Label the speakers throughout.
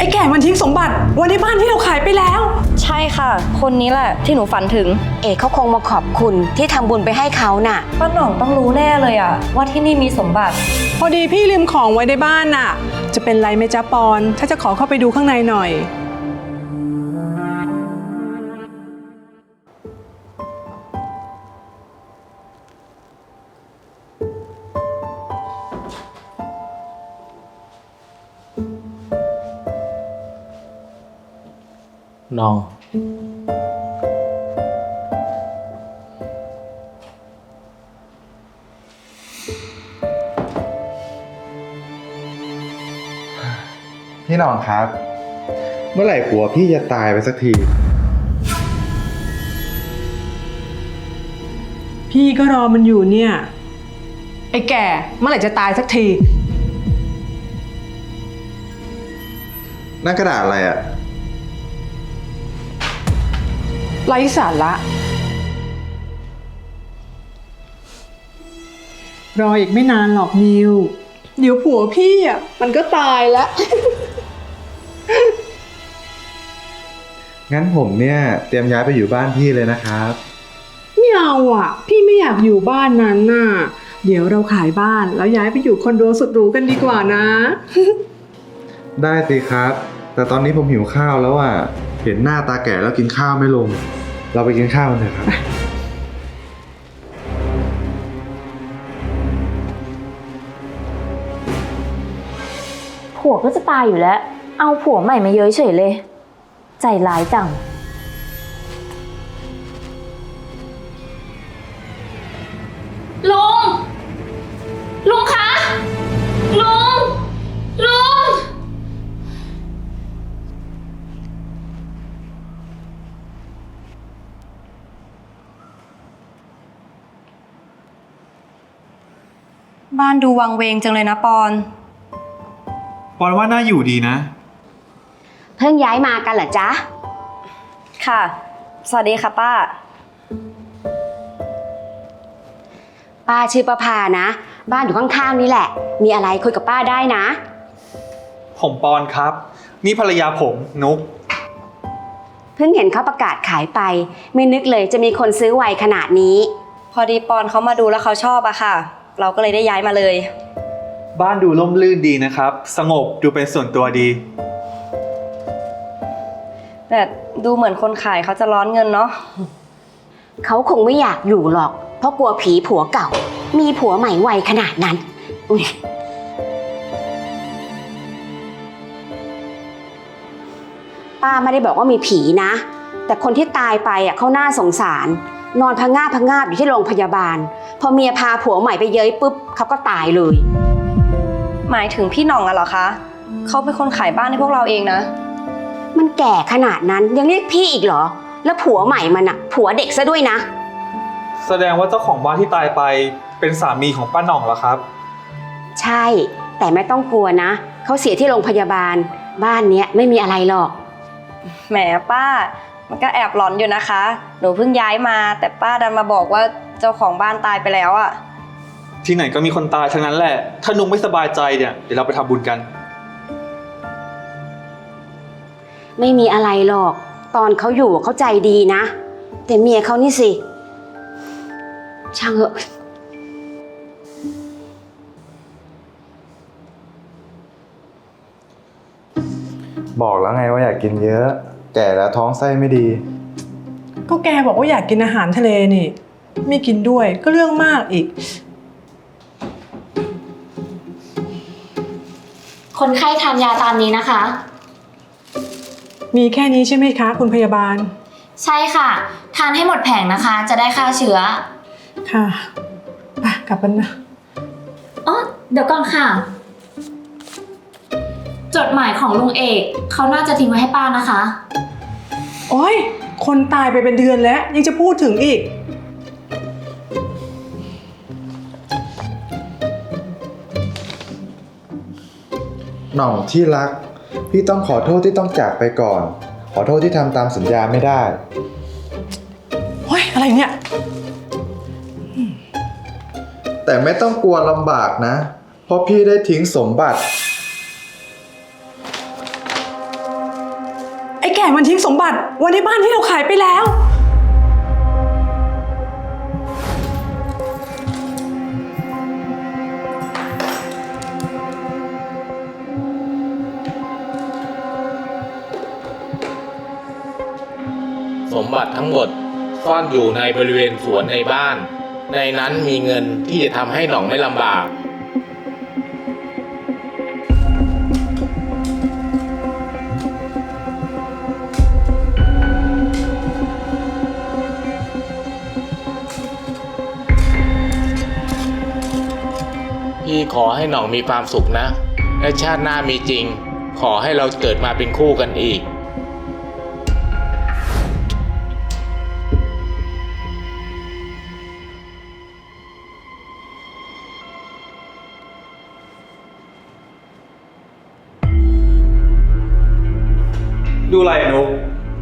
Speaker 1: แก่มันทิ้งสมบัติไว้ในบ้านที่เราขายไปแล้ว
Speaker 2: ใช่ค่ะคนนี้แหละที่หนูฝันถึง
Speaker 3: เอกเขาคงมาขอบคุณที่ทำบุญไปให้เขาน่ะ
Speaker 2: ป้าหน่องต้องรู้แน่เลยอะว่าที่นี่มีสมบัติ
Speaker 1: พอดีพี่ลืมของไว้ในบ้านน่ะจะเป็นไรไหมจ๊ะปอนถ้าจะขอเข้าไปดูข้างในหน่อย
Speaker 4: น้อง
Speaker 5: พี่หน่องครับ เมื่อไหร่ผัวพี่จะตายไปสักที
Speaker 1: พี่ก็รอมันอยู่เนี่ยไอ้แก่เมื่อไหร่จะตายสักที
Speaker 5: นั่นกระดาษอะไรอะ
Speaker 1: ไร้สาระรออีกไม่นานหรอกนิวเดี๋ยวผัวพี่อ่ะมันก็ตายแล้ว
Speaker 5: งั้นผมเนี่ยเตรียมย้ายไปอยู่บ้านพี่เลยนะครับ
Speaker 1: ไม่เอาอ่ะพี่ไม่อยากอยู่บ้านนั้นน่ะเดี๋ยวเราขายบ้านแล้วย้ายไปอยู่คอนโดสุดหรูกันดีกว่านะ
Speaker 5: ได้สิครับแต่ตอนนี้ผมหิวข้าวแล้วอ่ะเห็นหน้าตาแก่แล้วกินข้าวไม่ลงเราไปกินข้าวกันเถอะครับ
Speaker 6: ผัวก็จะตายอยู่แล้วเอาผัวใหม่มาเย้ยเฉยเลยใจร้ายจัง
Speaker 7: ลุงคะลุง
Speaker 2: บ้านดูวังเวงจังเลยนะปอน
Speaker 4: ว่าน่าอยู่ดีนะ
Speaker 3: เพิ่งย้ายมากันเหรอจ๊ะ
Speaker 2: ค่ะสวัสดีค่ะป้า
Speaker 3: ป้าชื่อประภานะบ้านอยู่ข้างๆนี่แหละมีอะไรคุยกับป้าได้นะ
Speaker 4: ผมปอนครับนี่ภรรยาผมนุก
Speaker 3: เพิ่งเห็นเขาประกาศขายไปไม่นึกเลยจะมีคนซื้อไวขนาดนี้
Speaker 2: พอดีปอนเขามาดูแล้วเขาชอบอะค่ะเราก็เลยได้ย้ายมาเลย
Speaker 4: บ้านดูร่มรื่นดีนะครับสงบดูเป็นส่วนตัวดี
Speaker 2: แต่ดูเหมือนคนขายเขาจะร้อนเงินเนาะ
Speaker 3: เขาคงไม่อยากอยู่หรอกเพราะกลัวผีผัวเก่ามีผัวใหม่ไวขนาดนั้นป้าไม่ได้บอกว่ามีผีนะแต่คนที่ตายไปอ่ะเขาน่าสงสารนอนพะงาบอยู่ที่โรงพยาบาลพอเมียพาผัวใหม่ไปเย้ยปุ๊บเขาก็ตายเลย
Speaker 2: หมายถึงพี่หน่องอะเหรอคะเขาเป็นคนขายบ้านให้พวกเราเองนะ
Speaker 3: มันแก่ขนาดนั้นยังเรียกพี่อีกเหรอแล้วผัวใหม่มันอะผัวเด็กซะด้วยนะ
Speaker 4: แสดงว่าเจ้าของบ้านที่ตายไปเป็นสามีของป้าหน่องเหรอครับ
Speaker 3: ใช่แต่ไม่ต้องกลัวนะเขาเสียที่โรงพยาบาลบ้านเนี้ยไม่มีอะไรหรอก
Speaker 2: แหมป้ามันก็แอบหลอนอยู่นะคะหนูเพิ่งย้ายมาแต่ป้าดันมาบอกว่าเจ้าของบ้านตายไปแล้วอะ
Speaker 4: ที่ไหนก็มีคนตายทั้งนั้นแหละถ้านุกไม่สบายใจเนี่ยเดี๋ยวเราไปทำบุญกัน
Speaker 3: ไม่มีอะไรหรอกตอนเขาอยู่เขาใจดีนะแต่เมียเขานี่สิช่างเหอะ
Speaker 5: บอกแล้วไงว่าอยากกินเยอะแก่แล้วท้องไส้ไม่ดี
Speaker 1: ก็แกบอกว่าอยากกินอาหารทะเลนี่ไม่กินด้วยก็เรื่องมากอีก
Speaker 6: คนไข้ทานยาตามนี้นะคะ
Speaker 1: มีแค่นี้ใช่ไหมคะคุณพยาบาล
Speaker 6: ใช่ค่ะทานให้หมดแผงนะคะจะได้ฆ่าเชื้อ
Speaker 1: ค่ะไปกลับกันนะ
Speaker 6: อ๋อเดี๋ยวก่อนค่ะจดหมายของลุงเอกเขาน่าจะทิ้งไว้ให้ป้านะคะ
Speaker 1: โอ๊ยคนตายไปเป็นเดือนแล้วยังจะพูดถึงอีก
Speaker 5: หน่องที่รักพี่ต้องขอโทษที่ต้องจากไปก่อนขอโทษที่ทำตามสัญญาไม่ได้
Speaker 1: โอ๊ยอะไรเนี่ย
Speaker 5: แต่ไม่ต้องกลัวลำบากนะเพราะพี่ได้ทิ้งสมบัติ
Speaker 1: แก่มันทิ้งสมบัติไว้ในบ้านที่เราขายไปแล้ว
Speaker 8: สมบัติทั้งหมดซ่อนอยู่ในบริเวณสวนในบ้าน ในนั้นมีเงินที่จะทำให้หน่องไม่ลำบาก พี่ขอให้หน่องมีความสุขนะ และชาติหน้ามีจริง ขอให้เราเกิดมาเป็นคู่กันอีก
Speaker 4: ดูอะไรอะนุก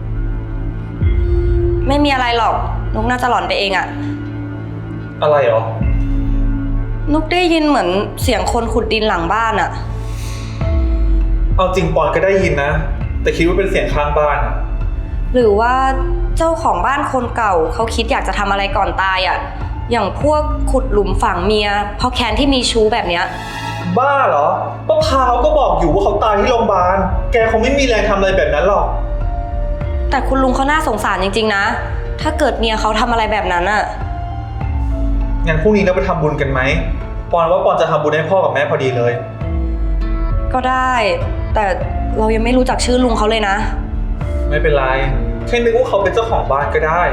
Speaker 2: ไม่มีอะไรหรอก นุกน่าจะหลอนไปเองอะ
Speaker 4: อะไรหรอ
Speaker 2: นุกได้ยินเหมือนเสียงคนขุดดินหลังบ้านอะ
Speaker 4: เอาจริงปอนก็ได้ยินนะ แต่คิดว่าเป็นเสียงข้างบ้านอะ
Speaker 2: หรือว่าเจ้าของบ้านคนเก่าเขาคิดอยากจะทำอะไรก่อนตายอะอย่างพวกขุดหลุมฝังเมียเพราะแค้นที่มีชู้แบบเนี้ย
Speaker 4: บ้าเหรอป้าพาวก็บอกอยู่ว่าเขาตายที่โรงพยาบาล แกคงไม่มีแรงทำอะไรแบบนั้นหรอก
Speaker 2: แต่คุณลุงเขาน่าสงสารจริงๆนะ ถ้าเกิดเมียเขาทำอะไรแบบนั้นอะ
Speaker 4: งั้นพรุ่งนี้เราไปทำบุญกันไหม ปอนว่าปอนจะทำบุญให้พ่อกับแม่พอดีเลย
Speaker 2: ก็ได้ แต่เรายังไม่รู้จักชื่อลุงเขาเลยนะ
Speaker 4: ไม่เป็นไร แค่นึกว่าเขาเป็นเจ้าของบ้านก็ได้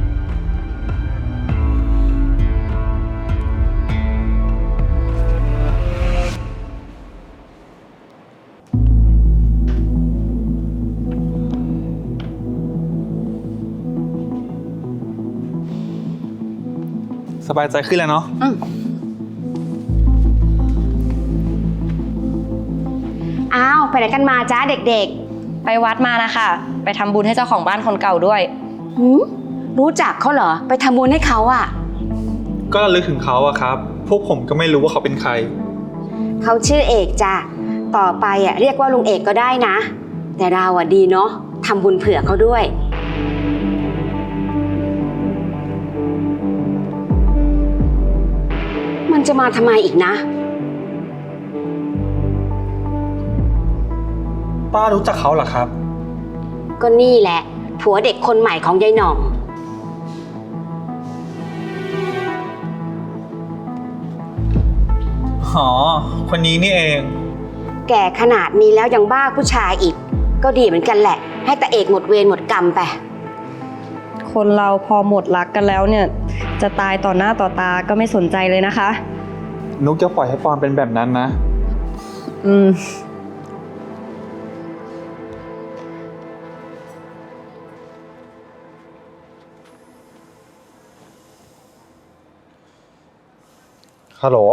Speaker 4: สบายใจขึ้นแล้วเนาะ
Speaker 3: อ้าวไปไหนกันมาจ้าเด็ก
Speaker 2: ไปวัดมานะคะ ไปทำบุญให้เจ้าของบ้านคนเก่าด้วย
Speaker 3: ๆหืมรู้จักเขาเหรอไปทำบุญให้เขาอะ
Speaker 4: ก็ระลึกถึงเขาอะครับ พวกผมก็ไม่รู้ว่าเขาเป็นใคร
Speaker 3: เขาชื่อเอกจ้ะต่อไปอะเรียกว่าลุงเอกก็ได้นะ แต่เราอะดีเนาะทำบุญเผื่อเขาด้วย มันจะมาทำไมอีกนะ
Speaker 4: ป้ารู้จักเขาเหรอครับ
Speaker 3: ก็นี่แหละ ผัวเด็กคนใหม่ของยายหน่อง
Speaker 4: อ๋อ คนนี้นี่เอง
Speaker 3: แก่ขนาดนี้แล้วยังบ้าผู้ชายอีก ก็ดีเหมือนกันแหละ ให้ตาเอกหมดเวรหมดกรรมไป
Speaker 2: คนเราพอหมดรักกันแล้วเนี่ย จะตายต่อหน้าต่อตาก็ไม่สนใจเลยนะคะ
Speaker 4: นุกจะปล่อยให้ปอนเป็นแบบนั้นนะ
Speaker 2: อืม
Speaker 5: ฮัลโหล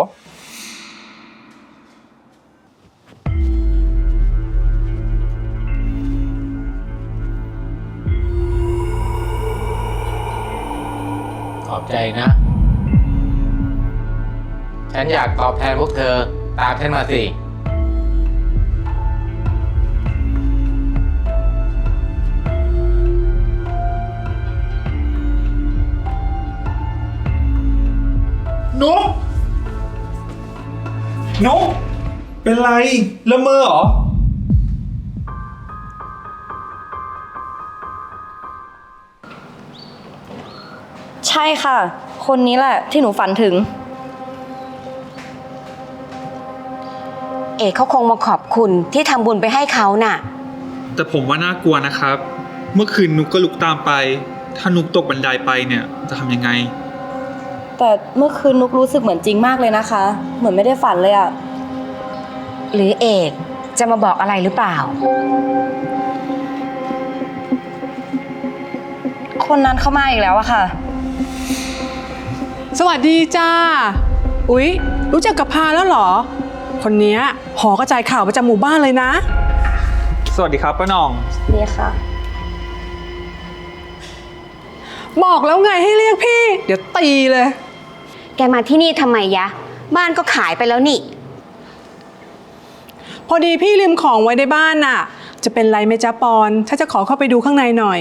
Speaker 8: ขอบใจนะ ฉันอยากตอบแทนพวกเธอ ตามฉันมาสิ
Speaker 4: นุก นุก เป็นไรละเมอเหรอ
Speaker 2: ใช่ค่ะ คนนี้แหละที่หนูฝันถึง
Speaker 3: เอกเขาคงมาขอบคุณที่ทำบุญไปให้เขาน่ะ
Speaker 4: แต่ผมว่าน่ากลัวนะครับ เมื่อคืนนุกก็ลุกตามไป ถ้านุกตกบันไดไปเนี่ยจะทำยังไง
Speaker 2: แต่เมื่อคืนนุกรู้สึกเหมือนจริงมากเลยนะคะ เหมือนไม่ได้ฝันเลยอะ
Speaker 3: หรือเอกจะมาบอกอะไรหรือเปล่า
Speaker 2: คนนั้นเข้ามาอีกแล้วอะค่ะ
Speaker 1: สวัสดีจ้า อุ๊ย รู้จักกับพาแล้วเหรอ คนเนี้ยหอกระจายข่าวประจำหมู่บ้านเลยนะ
Speaker 4: สวัสดีครับป้าหน่อง
Speaker 2: นี่ค่ะ
Speaker 1: บอกแล้วไงให้เรียกพี่ เดี๋ยวตีเลย
Speaker 3: แกมาที่นี่ทำไมยะ บ้านก็ขายไปแล้วนี่
Speaker 1: พอดีพี่ลืมของไว้ในบ้านน่ะจะเป็นไรไหมจ๊ะปอนถ้าจะขอเข้าไปดูข้างในหน่อย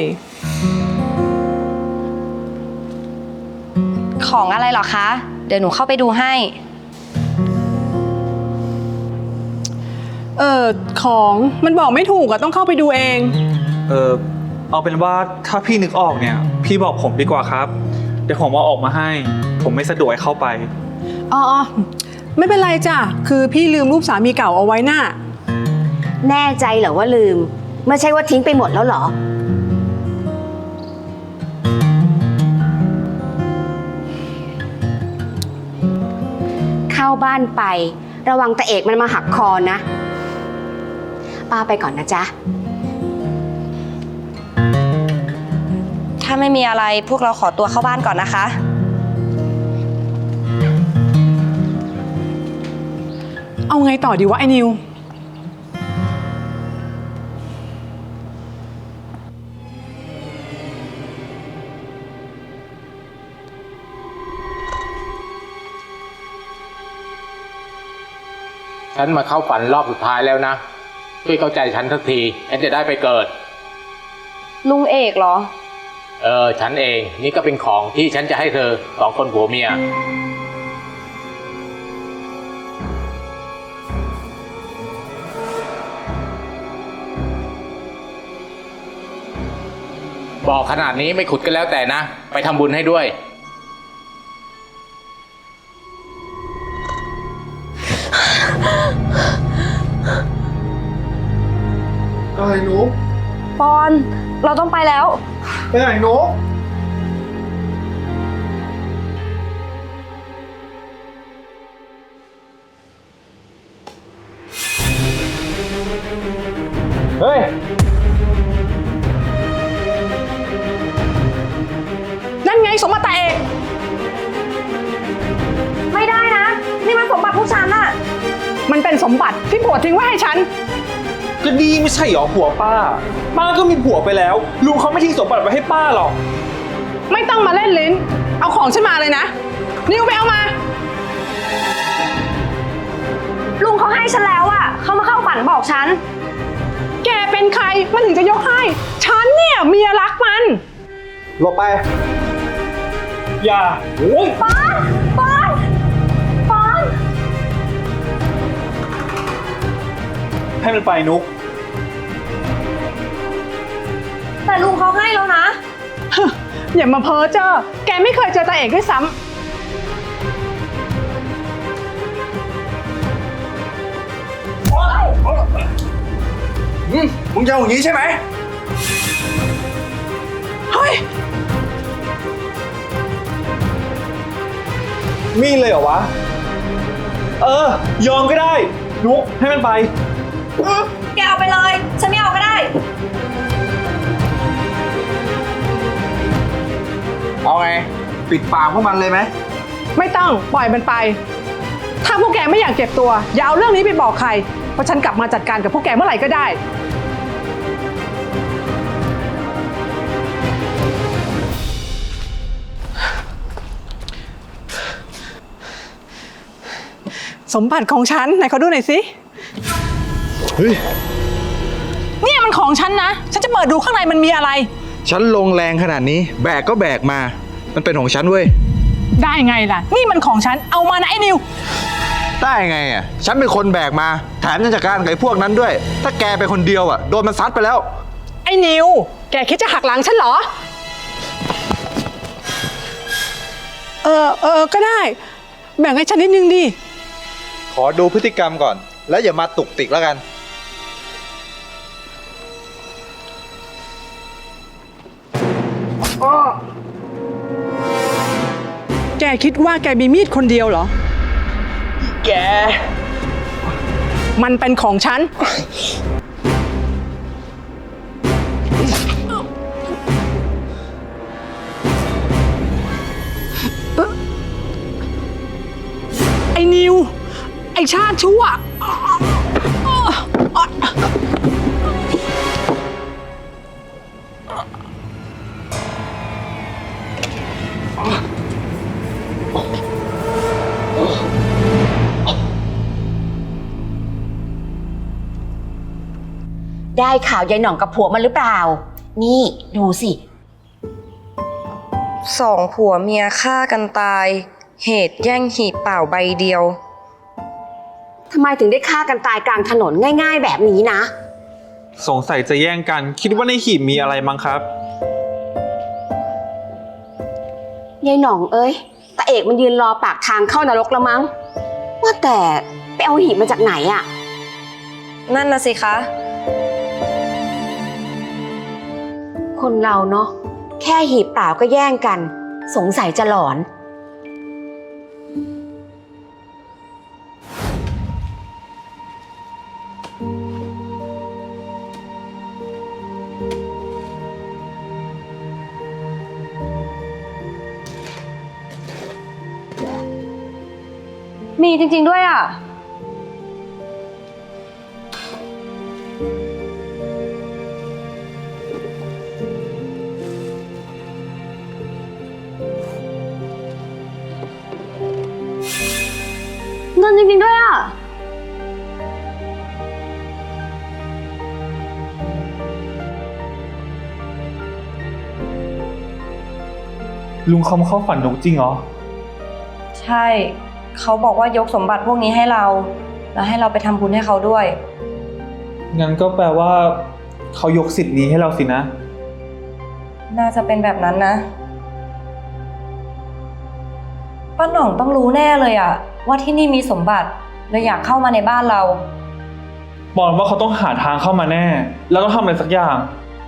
Speaker 2: ของอะไรเหรอคะ เดี๋ยวหนูเข้าไปดูให้
Speaker 1: ของมันบอกไม่ถูกอะต้องเข้าไปดูเอง
Speaker 4: เอาเป็นว่าถ้าพี่นึกออกเนี่ย พี่บอกผมดีกว่าครับ เดี๋ยวผมเอาออกมาให้ ผมไม่สะดวกให้เข้าไป
Speaker 1: อ๋อไม่เป็นไรจ้ะ คือพี่ลืมรูปสามีเก่าเอาไว้น่ะ
Speaker 3: แน่ใจเหรอว่าลืม ไม่ใช่ว่าทิ้งไปหมดแล้วเหรอ เข้าบ้านไประวังตาเอกมันมาหักคอนะ ป้าไปก่อนนะจ๊ะ
Speaker 2: ถ้าไม่มีอะไรพวกเราขอตัวเข้าบ้านก่อนนะคะ
Speaker 1: เอาไงต่อดีวะไอ้นิว
Speaker 8: ฉันมาเข้าฝันรอบสุดท้ายแล้วนะ ช่วยเข้าใจฉันสักทีฉันจะได้ไปเกิด
Speaker 2: ลุงเอกเหรอ
Speaker 8: ฉันเองนี่ก็เป็นของที่ฉันจะให้เธอ2 คนผัวเมีย บอกขนาดนี้ไม่ขุดก็แล้วแต่นะ ไปทำบุญให้ด้วย
Speaker 5: อะไรหนู
Speaker 2: ปอน เราต้องไปแล้ว
Speaker 5: ไปไหนหนูเฮ้ย
Speaker 1: นั่นไงสมบัติตาเอก
Speaker 2: ไม่ได้นะ นี่มันสมบัติพวกฉันอะ
Speaker 1: มันเป็นสมบัติที่ผัวทิ้งไว้ให้ฉัน
Speaker 4: ก็ดีไม่ใช่หรอผัวป้า ป้าก็มีผัวไปแล้ว ลุงเขาไม่ทิ้งสมบัติไว้ให้ป้าหรอก
Speaker 1: ไม่ต้องมาเล่นลิ้น เอาของฉันมาเลยนะ นิวไปเอามา
Speaker 2: ลุงเขาให้ฉันแล้วอะเขามาเข้าฝันบอกฉัน
Speaker 1: แกเป็นใครมันถึงจะยกให้ ฉันเนี่ยเมียรักมัน
Speaker 5: หลบไป
Speaker 4: อย่าโอ้ย
Speaker 2: ปอน
Speaker 4: ให้มันไปนุก
Speaker 2: แต่ลุงเขาให้แล้วนะ
Speaker 1: อย่ามาเพ้อเจ้อแกไม่เคยเจอตาเอกด้วยซ้ำ
Speaker 5: มึงจะเอาอย่างนี้ใช่ไหม
Speaker 1: เฮ้ย
Speaker 4: มีเลยเหรอวะ ยอมก็ได้ นุกให้มันไป
Speaker 2: แกเอาไปเลย ฉันไม่เอาก็ได้
Speaker 5: เอาไง ปิดปากพวกมันเลยไหม
Speaker 1: ไม่ต้องปล่อยมันไป ถ้าพวกแกไม่อยากเจ็บตัว อย่าเอาเรื่องนี้ไปบอกใคร เพราะฉันกลับมาจัดการกับพวกแกเมื่อไหร่ก็ได้ สมบัติของฉันไหนเขาดูหน่อยสิ
Speaker 5: เฮ้ย
Speaker 1: เนี่ยมันของฉันนะ ฉันจะเปิดดูข้างในมันมีอะไร
Speaker 5: ฉันลงแรงขนาดนี้ แบกก็แบกมา มันเป็นของฉันเว้ย
Speaker 1: ได้ไงล่ะ นี่มันของฉัน เอามานะไอ้นิว
Speaker 5: ได้ไงอ่ะ ฉันเป็นคนแบกมา แถมยังจัดการกับไอ้พวกนั้นด้วย ถ้าแกเป็นคนเดียวอ่ะ โดนมันซัดไปแล้ว
Speaker 1: ไอ้นิว แกคิดจะหักหลังฉันเหรอ ก็ได้ แบ่งให้ฉันนิดนึงดิ
Speaker 5: ขอดูพฤติกรรมก่อน แล้วอย่ามาตุกติกแล้วกัน
Speaker 1: แกคิดว่าแกมีมีดคนเดียวเหรอ
Speaker 4: แก
Speaker 1: มันเป็นของฉัน ไอ้นิว ไอ้ชาติชั่ว
Speaker 3: ได้ข่าวยายหน่องกับผัวมันหรือเปล่า นี่ดูสิ
Speaker 2: สองผัวเมียฆ่ากันตาย เหตุแย่งหีบเปล่าใบเดียว
Speaker 3: ทำไมถึงได้ฆ่ากันตายกลางถนนง่ายๆแบบนี้นะ
Speaker 4: สงสัยจะแย่งกัน คิดว่าในหีบมีอะไรมั้งครับ
Speaker 3: ยายหน่องเอ้ยตาเอกมันยืนรอปากทางเข้านรกแล้วมั้ง ว่าแต่ไปเอาหีบมาจากไหนอะ
Speaker 2: นั่นนะสิคะ
Speaker 3: คนเราเนาะแค่หีบเปล่าก็แย่งกัน สงสัยจะหลอน
Speaker 2: มีจริงๆด้วยอ่ะ เงินจริงๆด้วยอ่ะ
Speaker 4: ลุงเขามาเข้าฝันนุกจริงเหรอ
Speaker 2: ใช่ เขาบอกว่ายกสมบัติพวกนี้ให้เรา แล้วให้เราไปทำบุญให้เขาด้วย
Speaker 4: งั้นก็แปลว่าเขายกสิทธิ์นี้ให้เราสินะ
Speaker 2: น่าจะเป็นแบบนั้นนะ ป้าหน่องต้องรู้แน่เลยอะว่าที่นี่มีสมบัติเลยอยากเข้ามาในบ้านเรา
Speaker 4: บอกว่าเขาต้องหาทางเข้ามาแน่ แล้วต้องทำอะไรสักอย่าง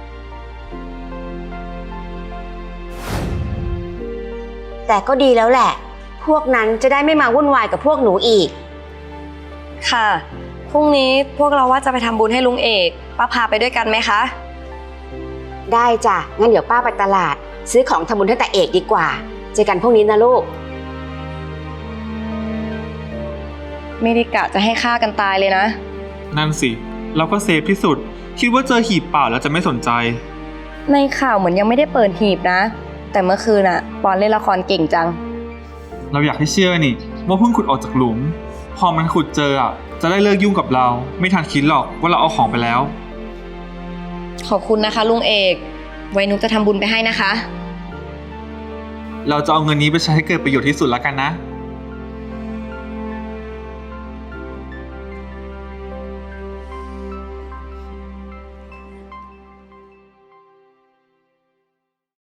Speaker 3: แต่ก็ดีแล้วแหละ พวกนั้นจะได้ไม่มาวุ่นวายกับพวกหนูอีก
Speaker 2: ค่ะ พรุ่งนี้พวกเราว่าจะไปทำบุญให้ลุงเอกป้าพาไปด้วยกันไหมคะ
Speaker 3: ได้จ้ะ งั้นเดี๋ยวป้าไปตลาด ซื้อของทำบุญให้ตาเอกดีกว่า เจอกันพรุ่งนี้นะลูก
Speaker 2: ไม่ได้กะจะให้ฆ่ากันตายเลยนะ
Speaker 4: นั่นสิ เราก็เซฟที่สุด คิดว่าเจอหีบเปล่าแล้วจะไม่สนใจ
Speaker 2: ในข่าวเหมือนยังไม่ได้เปิดหีบนะ แต่เมื่อคืนอะปอนเล่นละครเก่งจัง
Speaker 4: เราอยากให้เชื่อนี่ว่าเพิ่งขุดออกจากหลุม พอมันขุดเจอจะได้เลิกยุ่งกับเรา ไม่ทันคิดหรอกว่าเราเอาของไปแล้ว
Speaker 2: ขอบคุณนะคะลุงเอก ไว้นุกจะทำบุญไปให้นะคะ
Speaker 4: เราจะเอาเงินนี้ไปใช้ให้เกิดประโยชน์ที่สุดแล้วกันนะ